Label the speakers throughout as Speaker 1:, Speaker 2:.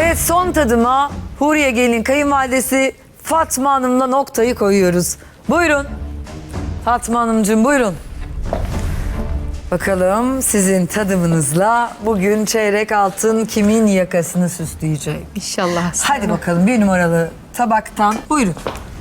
Speaker 1: Evet, son tadıma Huriye gelin kayınvalidesi Fatma Hanım'la noktayı koyuyoruz. Buyurun. Fatma Hanımcığım buyurun. Bakalım sizin tadımınızla bugün çeyrek altın kimin yakasını süsleyecek?
Speaker 2: İnşallah.
Speaker 1: Hadi bakalım bir numaralı tabaktan buyurun.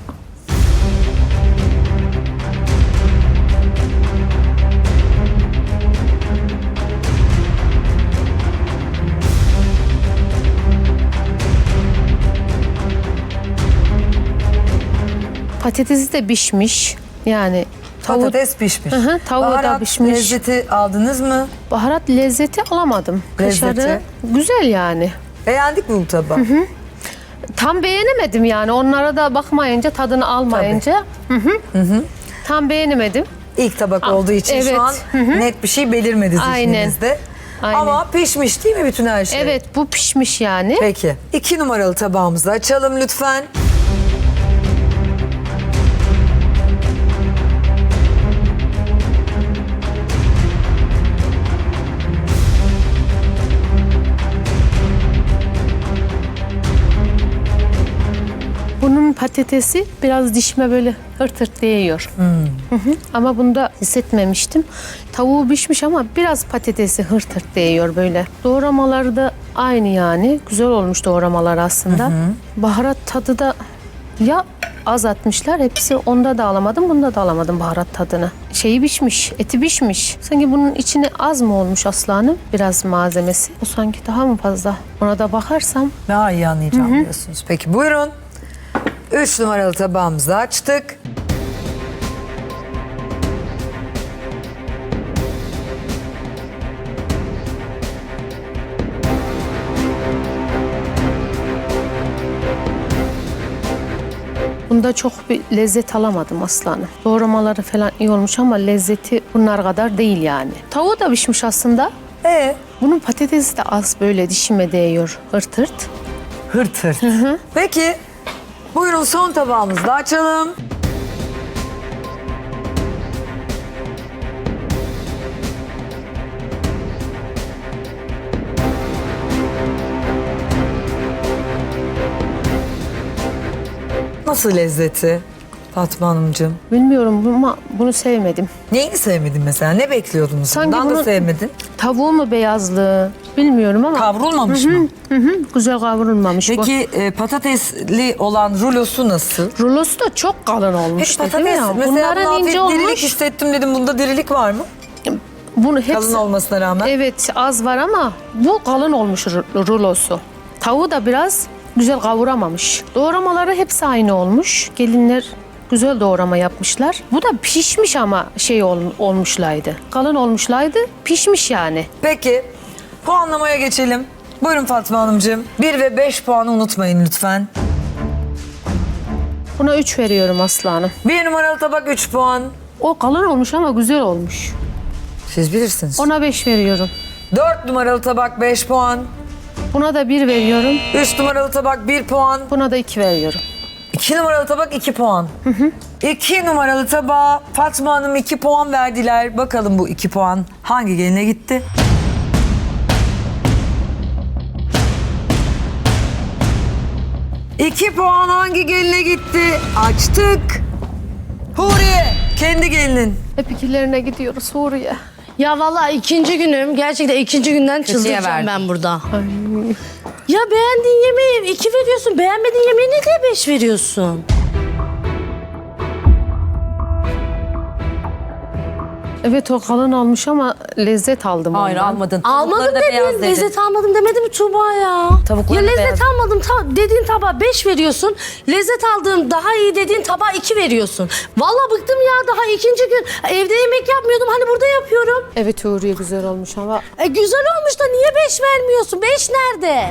Speaker 2: Patatesi de pişmiş. Yani
Speaker 1: Patates pişmiş.
Speaker 2: Hı, tavuğu da
Speaker 1: Baharat
Speaker 2: pişmiş.
Speaker 1: lezzeti aldınız mı?
Speaker 2: baharat lezzeti alamadım.
Speaker 1: Lezzeti?
Speaker 2: Kaşarı güzel yani.
Speaker 1: Beğendik mi bu tabağı?
Speaker 2: Tam beğenemedim yani. Onlara da bakmayınca, tadını almayınca. Tam beğenemedim.
Speaker 1: İlk tabak olduğu için
Speaker 2: evet.
Speaker 1: şu an net bir şey belirmedi
Speaker 2: Aynen.
Speaker 1: zihninizde.
Speaker 2: Aynen.
Speaker 1: Ama pişmiş değil mi bütün her şey?
Speaker 2: Evet, bu pişmiş yani.
Speaker 1: Peki. 2 numaralı tabağımızı açalım lütfen.
Speaker 2: Bunun patatesi biraz dişime böyle hırt hırt değiyor. Ama bunda hissetmemiştim. Tavuğu pişmiş ama biraz patatesi hırt hırt değiyor böyle. Doğramaları da aynı yani. Güzel olmuş doğramalar aslında. Baharat tadı da ya az atmışlar. Hepsi onda da alamadım, bunda da alamadım baharat tadını. Şeyi pişmiş, eti pişmiş. Sanki bunun içine az mı olmuş aslanım? Biraz malzemesi. O sanki daha mı fazla? Ona da bakarsam.
Speaker 1: Daha iyi anlayacağım diyorsunuz. Peki buyurun. 3 numaralı tabağımızı açtık.
Speaker 2: Bunda çok bir lezzet alamadım aslanım. Doğramaları falan iyi olmuş ama lezzeti bunlar kadar değil yani. Tavuğu da pişmiş aslında. Bunun patatesi de az böyle dişime değiyor. Hırt hırt.
Speaker 1: Hırt hırt. Peki buyurun son tabağımızı da açalım. Nasıl lezzeti Fatma Hanımcığım?
Speaker 2: Bilmiyorum ama bunu sevmedim.
Speaker 1: Neyini sevmedin mesela? Ne bekliyordunuz?
Speaker 2: Sanki
Speaker 1: Bundan da
Speaker 2: bunun-
Speaker 1: sevmedin.
Speaker 2: Tavuğu mu beyazlı bilmiyorum ama.
Speaker 1: Kavrulmamış mı?
Speaker 2: Güzel kavrulmamış bu.
Speaker 1: Peki patatesli olan rulosu nasıl?
Speaker 2: Rulosu da çok kalın olmuş
Speaker 1: Peki
Speaker 2: dedim
Speaker 1: patates
Speaker 2: ya.
Speaker 1: mesela
Speaker 2: Bunların
Speaker 1: buna hafif
Speaker 2: ince
Speaker 1: dirilik
Speaker 2: olmuş.
Speaker 1: hissettim dedim. Bunda dirilik var mı?
Speaker 2: Bunu hepsi,
Speaker 1: Kalın olmasına rağmen.
Speaker 2: evet az var ama bu kalın olmuş rulosu. Tavuğu da biraz güzel kavuramamış. Doğramaları hepsi aynı olmuş. Gelinler güzel doğrama yapmışlar. Bu da pişmiş ama olmuşlaydı. Kalın olmuşlaydı, pişmiş yani.
Speaker 1: Peki puanlamaya geçelim. Buyurun Fatma Hanımcığım. 1 ve 5 puanı unutmayın lütfen.
Speaker 2: Buna 3 veriyorum aslanım.
Speaker 1: 1 numaralı tabak 3 puan.
Speaker 2: O kalın olmuş ama güzel olmuş.
Speaker 1: Siz bilirsiniz.
Speaker 2: Ona 5 veriyorum.
Speaker 1: 4 numaralı tabak 5 puan.
Speaker 2: Buna da 1 veriyorum.
Speaker 1: 3 numaralı tabak 1 puan.
Speaker 2: Buna da 2 veriyorum.
Speaker 1: 2 numaralı tabak 2 puan. 2 numaralı tabağa Fatma Hanım 2 puan verdiler. Bakalım bu 2 puan hangi geline gitti? İki puan hangi geline gitti? Açtık. Huriye, kendi gelinin.
Speaker 2: Hep ikilerine gidiyoruz Suriye.
Speaker 3: Ya vallahi ikinci günüm. Gerçekten ikinci günden çıldıracağım
Speaker 4: verdim.
Speaker 3: ben burada. Ya beğendiğin yemeği 2 veriyorsun. Beğenmediğin yemeği ne diye 5 veriyorsun?
Speaker 2: Evet o kalın olmuş ama lezzet aldım
Speaker 4: Hayır
Speaker 2: ondan.
Speaker 4: almadın.
Speaker 3: Almadım
Speaker 4: Tavukları da beyaz
Speaker 3: dedin.
Speaker 4: dedin.
Speaker 3: Lezzet almadım demedi mi Tuğba ya?
Speaker 4: Tavukları
Speaker 3: ya
Speaker 4: da
Speaker 3: lezzet
Speaker 4: beyaz.
Speaker 3: almadım dediğin tabağa 5 veriyorsun. Lezzet aldığım daha iyi dediğin tabağa 2 veriyorsun. Vallahi bıktım ya, daha ikinci gün. Evde yemek yapmıyordum, hani burada yapıyorum.
Speaker 2: Evet Huriye güzel olmuş ama
Speaker 3: Güzel olmuş da niye 5 vermiyorsun? 5 nerede?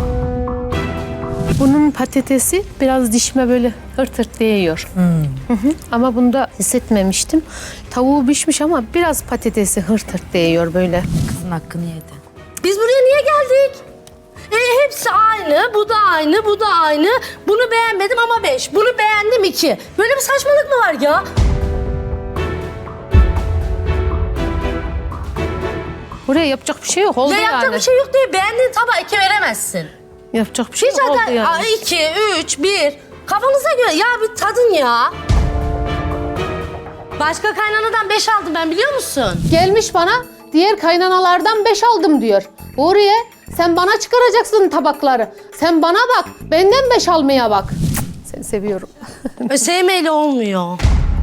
Speaker 2: bunun patatesi biraz dişime böyle hırt hırt değiyor. Ama bunda hissetmemiştim. Tavuğu pişmiş ama biraz patatesi hırt hırt değiyor böyle.
Speaker 4: Kızın hakkını yedi.
Speaker 3: Biz buraya niye geldik? Hepsi aynı, bu da aynı, bu da aynı. Bunu beğenmedim ama 5, bunu beğendim 2. Böyle bir saçmalık mı var ya?
Speaker 2: Buraya yapacak bir şey yok oldu
Speaker 3: Ya
Speaker 2: yani.
Speaker 3: yapacak bir şey yok diye beğendiğin tabağa 2 veremezsin.
Speaker 2: Yapacak bir şey
Speaker 3: Hiç
Speaker 2: yok oldu
Speaker 3: hata.
Speaker 2: yani.
Speaker 3: 2, 3, 1. Kafanıza göre. Ya bir tadın ya. Başka kaynanadan 5 aldım ben biliyor musun?
Speaker 2: Gelmiş bana diğer kaynanalardan 5 aldım diyor. Oraya sen bana çıkaracaksın tabakları. Sen bana bak, benden 5 almaya bak. Seni seviyorum.
Speaker 3: Sevmeyle olmuyor.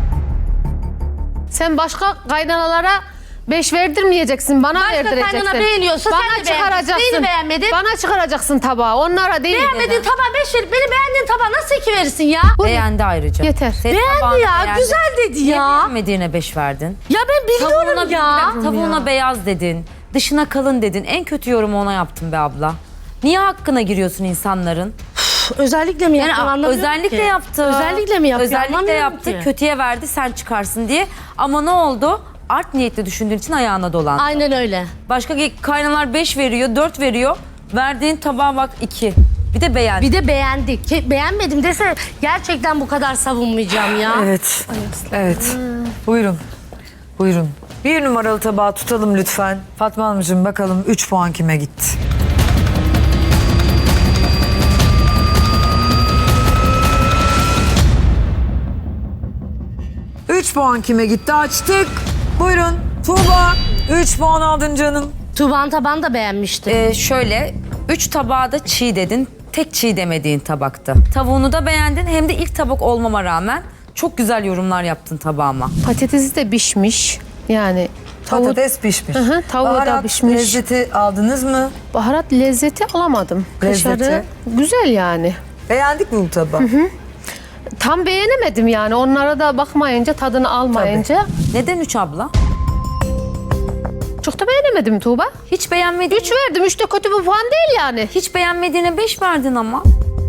Speaker 2: Sen başka kaynanalara 5 verdirmeyeceksin, bana
Speaker 3: Başka
Speaker 2: verdireceksin.
Speaker 3: kaynana beğeniyorsa sen
Speaker 2: bana
Speaker 3: de beğeneceksin. Neyini beğenmedin?
Speaker 2: Bana çıkaracaksın tabağı, onlara değil.
Speaker 3: Beğenmediğin tabağa 5 verip beni beğendiğin tabağa nasıl 2 verirsin ya?
Speaker 4: Beğendi ayrıca.
Speaker 2: Yeter.
Speaker 4: Senin
Speaker 3: Beğendi
Speaker 4: tabağını
Speaker 3: ya,
Speaker 4: beğendi.
Speaker 3: güzel dedi
Speaker 4: Niye
Speaker 3: ya.
Speaker 4: beğenmediğine 5 verdin?
Speaker 3: Ya ben biliyorum ya.
Speaker 4: Tavuğuna beyaz dedin. Dışına kalın dedin. En kötü yorumu ona yaptın be abla. Niye hakkına giriyorsun insanların?
Speaker 3: Özellikle mi
Speaker 4: Yani
Speaker 3: yaptın anlamıyorum
Speaker 4: özellikle
Speaker 3: ki.
Speaker 4: yaptı.
Speaker 3: Özellikle mi yaptı
Speaker 4: Özellikle
Speaker 3: anlamıyorum
Speaker 4: yaptı.
Speaker 3: ki.
Speaker 4: Kötüye verdi sen çıkarsın diye. Ama ne oldu? Art niyetli düşündüğün için ayağına dolandı.
Speaker 3: Aynen öyle.
Speaker 4: Başka kaynalar 5 veriyor, 4 veriyor. Verdiğin tabağa bak 2. Bir de beğendi.
Speaker 3: Bir de beğendik. Beğenmedim dese gerçekten bu kadar savunmayacağım ya.
Speaker 1: Evet. Evet. Buyurun. Buyurun. 1 numaralı tabağı tutalım lütfen. Fatma Hanımcığım bakalım 3 puan kime gitti? Üç puan kime gitti? Açtık. Buyurun. Tuğba. 3 puan aldın canım.
Speaker 3: Tuğba'nın tabağını da beğenmiştim.
Speaker 4: Şöyle 3 tabağa da çiğ dedin. Tek çiğ demediğin tabaktı. Tavuğunu da beğendin. Hem de ilk tabak olmama rağmen çok güzel yorumlar yaptın tabağıma.
Speaker 2: Patatesi de pişmiş. Yani
Speaker 1: Patates pişmiş.
Speaker 2: Hı, tavuğu da
Speaker 1: Baharat
Speaker 2: pişmiş.
Speaker 1: lezzeti aldınız mı?
Speaker 2: baharat lezzeti alamadım.
Speaker 1: Lezzeti?
Speaker 2: Kaşarı güzel yani.
Speaker 1: Beğendik mi bu tabağı?
Speaker 2: Tam beğenemedim yani. Onlara da bakmayınca, tadını almayınca.
Speaker 4: Neden 3 abla?
Speaker 2: Çok da beğenemedim Tuğba.
Speaker 4: Hiç beğenmediğin,
Speaker 2: 3 verdim. 3 de kötü bir puan değil yani.
Speaker 4: hiç beğenmediğine 5 verdin ama.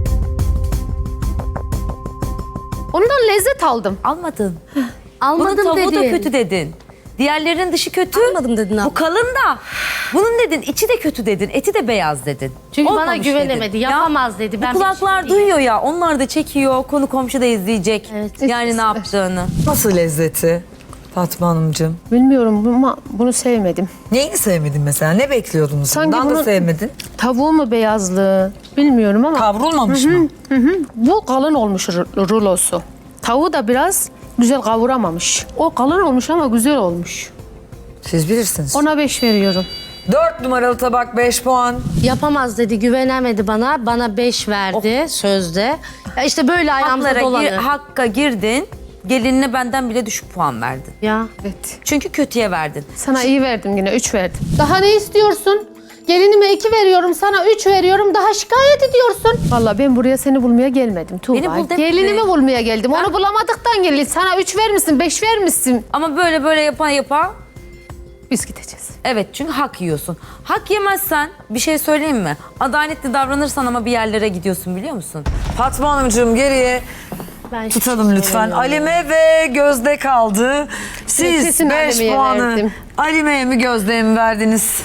Speaker 2: Ondan lezzet aldım.
Speaker 4: Almadın. Bunun
Speaker 3: Almadım
Speaker 4: tavuğu
Speaker 3: dedin.
Speaker 4: da kötü dedin. Diğerlerinin dışı kötü.
Speaker 3: Almadım dedin abla.
Speaker 4: Bu kalın da. Bunun dedin içi de kötü dedin. Eti de beyaz dedin.
Speaker 3: Çünkü bana
Speaker 4: Olmamış
Speaker 3: güvenemedi,
Speaker 4: dedin.
Speaker 3: yapamaz dedi. Ben
Speaker 4: Bu kulaklar
Speaker 3: bir şey
Speaker 4: duyuyor ya. Onlar da çekiyor. Konu komşu da izleyecek.
Speaker 3: Evet.
Speaker 4: Yani ne yaptığını.
Speaker 1: Nasıl lezzeti Fatma Hanımcığım?
Speaker 2: Bilmiyorum ama bunu sevmedim.
Speaker 1: Neyini sevmedin mesela? Ne bekliyordunuz?
Speaker 2: Sanki
Speaker 1: Bundan da
Speaker 2: bunu-
Speaker 1: sevmedin.
Speaker 2: Tavuğu mu beyazlı bilmiyorum ama
Speaker 1: Kavrulmamış mı?
Speaker 2: bu kalın olmuş rulosu. Tavuğu da biraz güzel kavuramamış. O kalın olmuş ama güzel olmuş.
Speaker 1: Siz bilirsiniz.
Speaker 2: Ona 5 veriyorum.
Speaker 1: 4 numaralı tabak 5 puan.
Speaker 3: Yapamaz dedi, güvenemedi bana. Bana 5 verdi sözde. Ya işte böyle ayağımıza
Speaker 4: Haklara
Speaker 3: dolanıyor.
Speaker 4: hakka girdin. Gelinine benden bile düşük puan verdin.
Speaker 3: Ya.
Speaker 2: Evet.
Speaker 4: Çünkü kötüye verdin.
Speaker 2: Sana iyi verdim yine 3 verdim. Daha ne istiyorsun? Gelinime 2 veriyorum, sana 3 veriyorum. Daha şikayet ediyorsun. Vallahi ben buraya seni bulmaya gelmedim Tuğba.
Speaker 4: Beni bul demedi.
Speaker 2: Gelinimi bulmaya geldim. Onu bulamadıktan gelin. Sana 3 vermişsin, 5 vermişsin.
Speaker 4: Ama böyle yapa
Speaker 2: Biz gideceğiz.
Speaker 4: evet çünkü hak yiyorsun. Hak yemezsen bir şey söyleyeyim mi? Adaletli davranırsan ama bir yerlere gidiyorsun biliyor musun?
Speaker 1: Fatma Hanımcığım geriye
Speaker 3: Ben
Speaker 1: tutalım
Speaker 3: hiç
Speaker 1: lütfen.
Speaker 3: söylemiyorum.
Speaker 1: Alime ve Gözde kaldı. Siz
Speaker 2: Kesin
Speaker 1: 5
Speaker 2: Alime'ye
Speaker 1: puanı
Speaker 2: verdim.
Speaker 1: Alime'ye mi Gözde'ye mi verdiniz?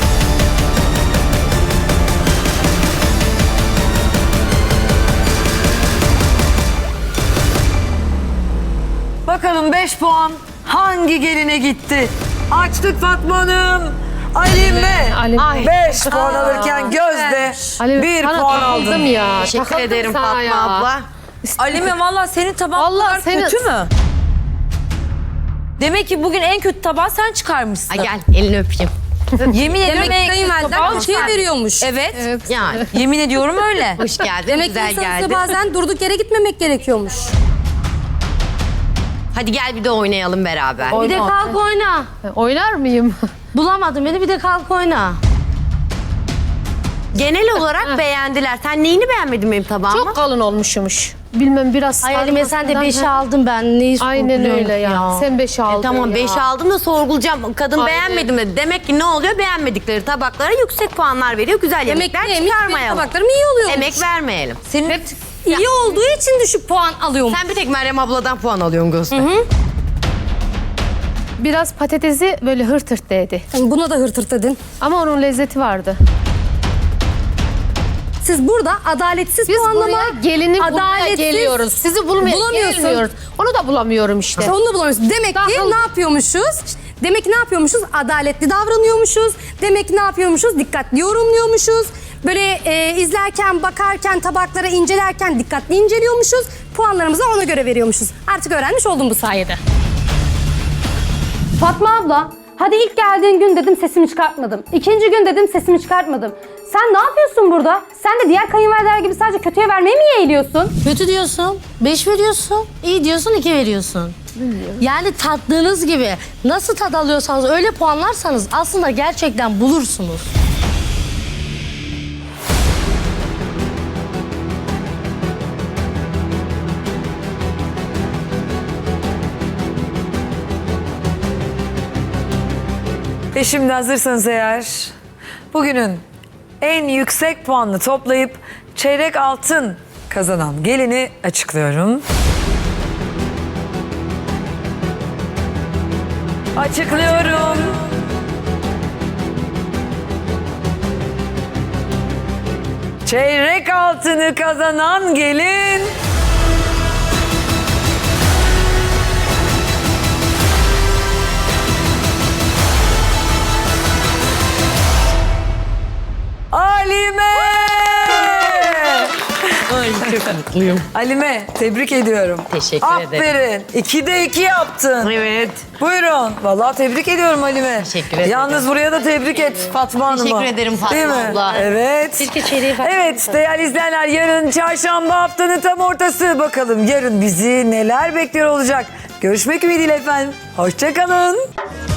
Speaker 1: Bakalım 5 puan hangi geline gitti? Açtık Fatma Hanım. Alime
Speaker 2: Alime.
Speaker 1: 5 puan alırken Gözde
Speaker 2: Alime,
Speaker 1: 1
Speaker 2: sana
Speaker 1: puan
Speaker 2: takıldım
Speaker 1: aldı.
Speaker 2: ya.
Speaker 5: Teşekkür
Speaker 2: Takıldım
Speaker 5: ederim
Speaker 2: sana
Speaker 5: Fatma
Speaker 2: ya.
Speaker 5: abla.
Speaker 4: Alime valla senin tabağın bu
Speaker 2: Vallahi
Speaker 4: kadar
Speaker 2: senin-
Speaker 4: kötü mü? Demek ki bugün en kötü tabağı sen çıkarmışsın.
Speaker 5: Ay gel elini öpeyim.
Speaker 4: Yemin ediyorum
Speaker 5: Demek
Speaker 4: en kötü
Speaker 5: kayınvaliden
Speaker 4: tabağı
Speaker 5: şey
Speaker 4: sen.
Speaker 5: veriyormuş.
Speaker 4: Evet.
Speaker 5: Yani
Speaker 4: Yemin ediyorum öyle.
Speaker 5: hoş geldin.
Speaker 6: Demek ki
Speaker 5: güzel
Speaker 6: insanın
Speaker 5: geldin.
Speaker 6: bazen durduk yere gitmemek gerekiyormuş.
Speaker 5: Hadi gel bir de oynayalım beraber.
Speaker 3: Bir de kalk oyna.
Speaker 2: Oynar mıyım?
Speaker 3: Bulamadım beni, bir de kalk oyna.
Speaker 5: Genel olarak beğendiler. Sen neyini beğenmedin benim tabağıma?
Speaker 2: Çok kalın olmuşmuş. Bilmem biraz
Speaker 3: Ay Halime sen de
Speaker 2: sarmasından-
Speaker 3: 5'i aldın, ben neyi
Speaker 2: Aynen
Speaker 3: sorguluyorum
Speaker 2: öyle ya. Sen 5'i aldın
Speaker 5: Tamam
Speaker 2: ya.
Speaker 5: 5 aldım da sorgulayacağım. Kadın
Speaker 2: Aynen.
Speaker 5: beğenmedim dedi. Demek ki ne oluyor? Beğenmedikleri tabaklara yüksek puanlar veriyor. Güzel
Speaker 6: Demek
Speaker 5: yemekler
Speaker 6: ki neymiş? Benim
Speaker 5: çıkarmayalım.
Speaker 6: tabaklarım iyi oluyormuş.
Speaker 5: Emek vermeyelim.
Speaker 4: Senin
Speaker 6: İyi olduğu için düşük puan alıyorum.
Speaker 5: Sen bir tek Meryem abladan puan alıyorsun Gözde.
Speaker 2: Biraz patatesi böyle hırt hırt değdi.
Speaker 6: Buna da hırtırt dedin.
Speaker 2: Ama onun lezzeti vardı.
Speaker 6: Siz burada adaletsiz
Speaker 2: Biz
Speaker 6: puanlama,
Speaker 2: buraya gelini bulmaya
Speaker 6: adaletsiz
Speaker 2: geliyoruz. Sizi bulmaya
Speaker 6: bulamıyorsun.
Speaker 2: gelmiyoruz. Onu da bulamıyorum işte.
Speaker 6: İşte onu da bulamıyorsun. Demek ki
Speaker 2: Daha-
Speaker 6: ne yapıyormuşuz? Demek ki ne yapıyormuşuz? Adaletli davranıyormuşuz. Demek ki ne yapıyormuşuz? Dikkatli yorumluyormuşuz. Böyle izlerken, bakarken, tabaklara incelerken dikkatli inceliyormuşuz. Puanlarımızı ona göre veriyormuşuz. Artık öğrenmiş oldum bu sayede. Fatma abla, hadi ilk geldiğin gün dedim sesimi çıkartmadım. İkinci gün dedim sesimi çıkartmadım. Sen ne yapıyorsun burada? Sen de diğer kayınvalideler gibi sadece kötüye vermeye mi yeğliyorsun?
Speaker 3: Kötü diyorsun, 5 veriyorsun. İyi diyorsun, 2 veriyorsun. Yani tattığınız gibi nasıl tad alıyorsanız öyle puanlarsanız aslında gerçekten bulursunuz.
Speaker 1: Ve şimdi hazırsanız eğer bugünün en yüksek puanını toplayıp çeyrek altın kazanan gelini açıklıyorum. Açıklıyorum. Çeyrek altını kazanan gelin... Alime!
Speaker 3: Ay çok mutluyum.
Speaker 1: Alime, tebrik ediyorum.
Speaker 3: Teşekkür ederim.
Speaker 1: Aferin. 2'de 2 yaptın.
Speaker 3: Evet.
Speaker 1: Buyurun. Vallahi tebrik ediyorum Halime.
Speaker 3: Teşekkür ederim.
Speaker 1: Yalnız buraya da tebrik et Fatma Hanım'a.
Speaker 5: Teşekkür ederim Fatma
Speaker 1: Değil mi?
Speaker 5: abla.
Speaker 1: Evet.
Speaker 3: Keşke çeyreği fark
Speaker 1: Evet değerli izleyenler, yarın çarşamba, haftanın tam ortası. Bakalım yarın bizi neler bekliyor olacak. Görüşmek ümidiyle efendim. Hoşça kalın.